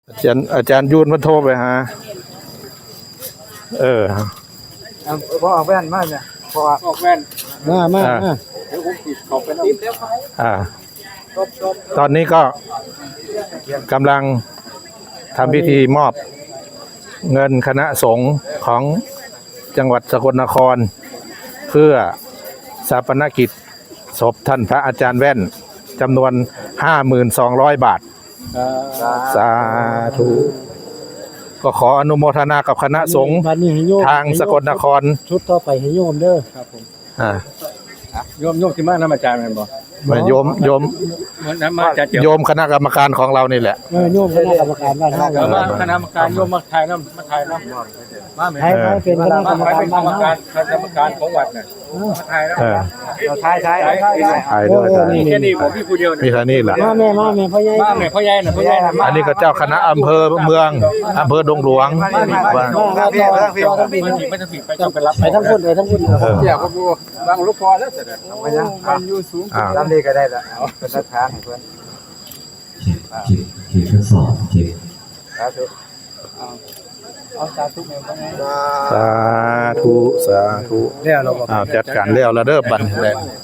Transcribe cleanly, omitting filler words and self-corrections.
อาจารย์ยูนมันโทรไปหาพอออกแว่นมากเนี่ยพอออกแว่นมาเดี๋ยวผมปิดขอบไปแล้วติดแล้วตอนนี้ก็กำลังทำพิธีมอบเงินคณะสงฆ์ของจังหวัดสกลนครเพื่อศาปนกิจศพท่านพระอาจารย์แว่นจำนวน 52,000 บาทสาธุก็ขออนุโมทนากับคณะสงฆ์ทางสกลนครชุดต่อไปให้โยมเด้อครับผมโยมที่มาน้ำอาจารย์มันบอกโยมโยมคณะกรรมการของเรานี่แหละโยมคณะกรรมการบ้านเราคณะกรรมการโยมมาถ่ายน้ำมาถ่ายน้ำมาไทยเป็นคณะกรรมการบ้านกรรมการของวัดเนี่ยมาถ่ายแล้วเราถ่ายด้วยมีแค่นี้ผมพี่ผู้เดียวมีแค่นี้แหละมาแม่พ่อใหญ่พ่อใหญ่อันนี้ก็เจ้าคณะอำเภอเมืองอำเภอดงหลวงไม่ต้องผิดไปต้องไปรับไปทั้งคนเดี๋ยวก็ดูบางลูกพอแล้วเสร็จมันอยู่สูงลำนี้ก็ได้ละเป็นรักฐานเพื่อนเก็บทดสอบเก็บสาธุสาธุแล้วเราจัดการแล้วเด้อบัดนี้